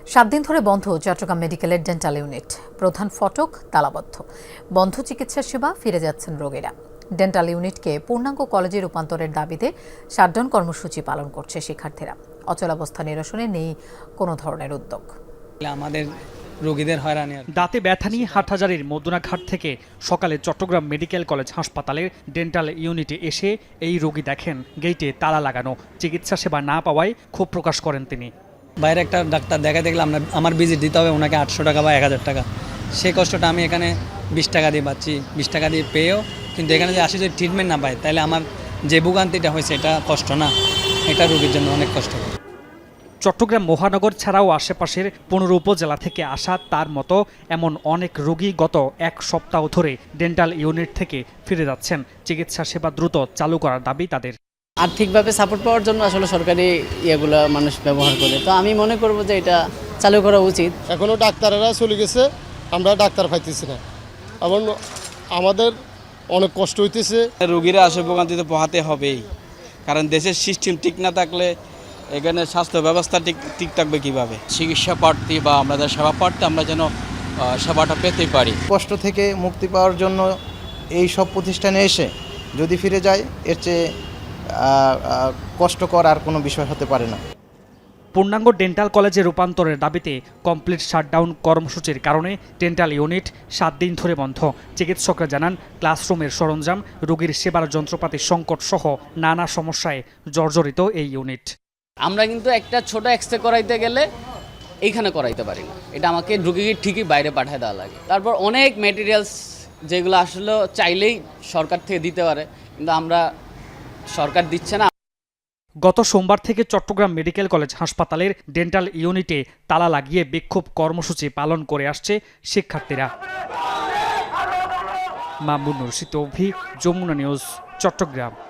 7 দিন ধরে বন্ধ চট্টগ্রাম মেডিকেলের ডেন্টাল ইউনিট। প্রধান ফটক তালাবদ্ধ। বন্ধ চিকিৎসা সেবা, ফিরে যাচ্ছেন রোগীরা। ডেন্টাল ইউনিটকে পূর্ণাঙ্গ কলেজে রূপান্তরের দাবিতে শাটডাউন কর্মসূচি পালন করছে শিক্ষার্থীরা। অচলাবস্থা নিরসনে নেই কোনো ধরনের উদ্যোগ। আমাদের রোগীদের হয়রানি। দাঁতে ব্যথা নিয়ে হাটহাজারীর মদুনাঘাট থেকে সকালে চট্টগ্রাম মেডিকেল কলেজ হাসপাতালের ডেন্টাল ইউনিটে এসে এই রোগী দেখেন গেটে তালা লাগানো। চিকিৎসা সেবা না পাওয়ায় ক্ষোভ প্রকাশ করেন তিনি। বাইরে একটা ডাক্তার দেখা দেখলে আমার ভিজিট দিতে হবে ওনাকে 800 টাকা বা 1000 টাকা। সেই কষ্টটা আমি এখানে 20 টাকা দিয়ে পাচ্ছি। 20 টাকা দিয়ে পেয়েও কিন্তু এখানে যে আসি যদি ট্রিটমেন্ট না পাই তাহলে আমার যে ভোগান্তিটা হয়েছে এটা কষ্ট না, এটা রোগীর জন্য অনেক কষ্ট। চট্টগ্রাম মহানগর ছাড়াও আশেপাশের 15 উপজেলা থেকে আসা তার মতো এমন অনেক রোগী গত এক সপ্তাহ ধরে ডেন্টাল ইউনিট থেকে ফিরে যাচ্ছেন। চিকিৎসা সেবা দ্রুত চালু করার দাবি তাদের। আর্থিকভাবে সাপোর্ট পাওয়ার জন্য আসলে সরকারি ইয়েগুলো মানুষ ব্যবহার করে, তো আমি মনে করব যে এটা চালু করা উচিত। এখনও ডাক্তারেরা চলে গেছে, আমরা ডাক্তার পাইতেছি না, এবং আমাদের অনেক কষ্ট হইতেছে। রোগীরা আসে ভোগান্তিতে পোহাতে হবেই, কারণ দেশের সিস্টেম ঠিক না থাকলে এখানে স্বাস্থ্য ব্যবস্থা ঠিক থাকবে কীভাবে? চিকিৎসা প্রার্থী বা আমাদের সেবা প্রার্থী আমরা যেন সেবাটা পেতে পারি। কষ্ট থেকে মুক্তি পাওয়ার জন্য এই সব প্রতিষ্ঠানে এসে যদি ফিরে যায়, এর চেয়ে কষ্টকর আর কোনো বিষয় হতে পারে না। পূর্ণাঙ্গ ডেন্টাল কলেজে রূপান্তরের দাবিতে কমপ্লিট শাটডাউন কর্মসূচির কারণে ডেন্টাল ইউনিট 7 দিন ধরে বন্ধ। চিকিৎসকরা জানান, ক্লাসরুমের সরঞ্জাম, রোগীর সেবার যন্ত্রপাতির সংকট সহ নানা সমস্যায় জর্জরিত এই ইউনিট। আমরা কিন্তু একটা ছোট এক্সরে করাইতে গেলে এইখানে করাইতে পারি না, এটা আমাকে রোগীকে ঠিকই বাইরে পাঠিয়ে দেওয়া লাগে। তারপর অনেক ম্যাটেরিয়ালস যেগুলো আসলে চাইলেই সরকার থেকে দিতে পারে, কিন্তু আমরা সরকার দিচ্ছে না। গত সোমবার থেকে চট্টগ্রাম মেডিকেল কলেজ হাসপাতালের ডেন্টাল ইউনিটে তালা লাগিয়ে বিক্ষোভ কর্মসূচি পালন করে আসছে শিক্ষার্থীরা। মামুনুর রশিদ, যমুনা নিউজ, চট্টগ্রাম।